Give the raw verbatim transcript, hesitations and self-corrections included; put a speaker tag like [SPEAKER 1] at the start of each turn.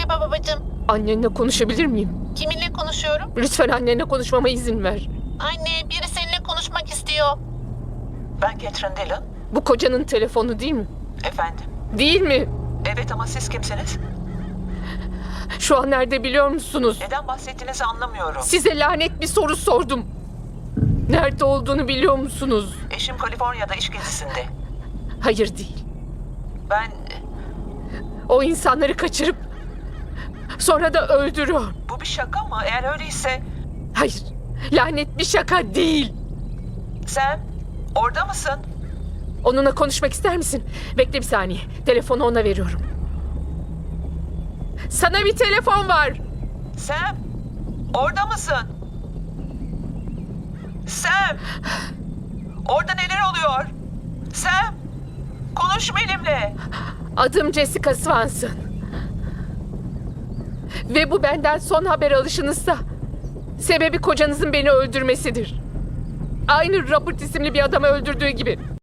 [SPEAKER 1] Merhaba babacığım.
[SPEAKER 2] Annenle konuşabilir miyim?
[SPEAKER 1] Kiminle konuşuyorum?
[SPEAKER 2] Lütfen annenle konuşmama izin ver.
[SPEAKER 1] Anne, biri seninle konuşmak istiyor.
[SPEAKER 3] Ben Catherine Dillon.
[SPEAKER 2] Bu kocanın telefonu değil mi?
[SPEAKER 3] Efendim?
[SPEAKER 2] Değil mi?
[SPEAKER 3] Evet ama siz kimsiniz?
[SPEAKER 2] Şu an nerede biliyor musunuz?
[SPEAKER 3] Neden bahsettiğinizi anlamıyorum.
[SPEAKER 2] Size lanet bir soru sordum. Nerede olduğunu biliyor musunuz?
[SPEAKER 3] Eşim Kaliforniya'da iş gezisinde.
[SPEAKER 2] Hayır değil.
[SPEAKER 3] Ben...
[SPEAKER 2] O insanları kaçırıp sonra da öldürüyor.
[SPEAKER 3] Bu bir şaka mı? Eğer öyleyse...
[SPEAKER 2] Hayır. Lanet bir şaka değil.
[SPEAKER 3] Sam, orada mısın?
[SPEAKER 2] Onunla konuşmak ister misin? Bekle bir saniye. Telefonu ona veriyorum. Sana bir telefon var.
[SPEAKER 3] Sam, orada mısın? Sam! Orada neler oluyor? Sam! Konuş benimle.
[SPEAKER 2] Adım Jessica Swanson. Ve bu benden son haber alışınızsa sebebi kocanızın beni öldürmesidir. Aynı Robert isimli bir adamı öldürdüğü gibi.